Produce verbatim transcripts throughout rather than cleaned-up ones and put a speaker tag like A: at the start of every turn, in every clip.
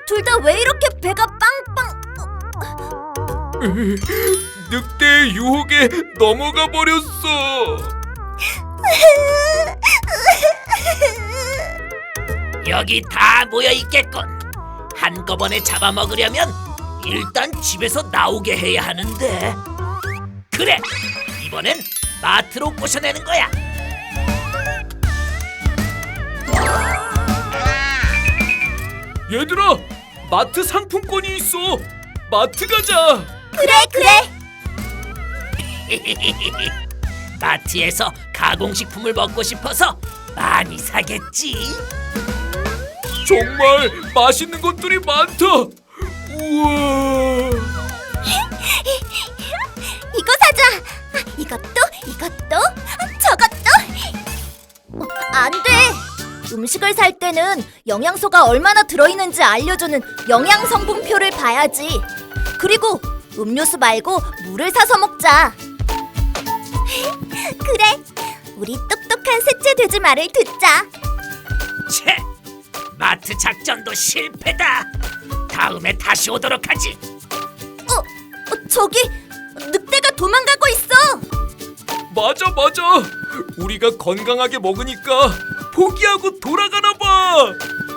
A: 둘 다 왜 이렇게 배가 빵빵...
B: 늑대의 유혹에 넘어가 버렸어.
C: 여기 다 모여 있겠군. 한꺼번에 잡아먹으려면 일단 집에서 나오게 해야 하는데. 그래, 이번엔 마트로 꼬셔내는 거야.
B: 얘들아, 마트 상품권이 있어. 마트 가자.
A: 그래 그래.
C: 마트에서 가공식품을 먹고 싶어서 많이 사겠지.
B: 정말 맛있는 것들이 많다. 우와.
A: 이거 사자. 아, 이것도 이것도 아, 저것도. 어, 안 돼. 음식을 살 때는 영양소가 얼마나 들어있는지 알려주는 영양성분표를 봐야지. 그리고 음료수 말고 물을 사서 먹자. 그래, 우리 똑똑한 셋째 돼지 말을 듣자.
C: 채, 마트 작전도 실패다. 다음에 다시 오도록 하지.
A: 어, 어 저기 늑대가 도망가고 있어.
B: 맞아 맞아. 우리가 건강하게 먹으니까 포기하고 돌아가나 봐.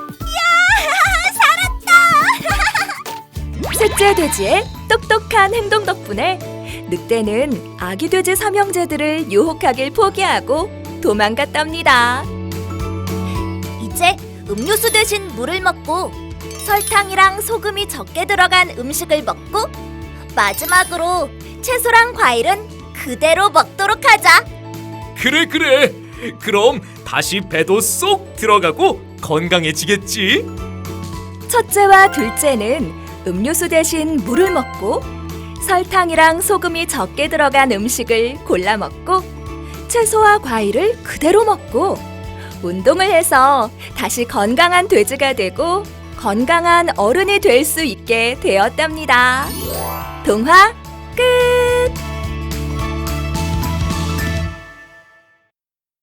D: 셋째 돼지의 똑똑한 행동 덕분에 늑대는 아기 돼지 삼형제들을 유혹하길 포기하고 도망갔답니다.
A: 이제 음료수 대신 물을 먹고 설탕이랑 소금이 적게 들어간 음식을 먹고 마지막으로 채소랑 과일은 그대로 먹도록 하자.
B: 그래 그래. 그럼 다시 배도 쏙 들어가고 건강해지겠지.
D: 첫째와 둘째는 음료수 대신 물을 먹고 설탕이랑 소금이 적게 들어간 음식을 골라 먹고 채소와 과일을 그대로 먹고 운동을 해서 다시 건강한 돼지가 되고 건강한 어른이 될 수 있게 되었답니다. 동화 끝!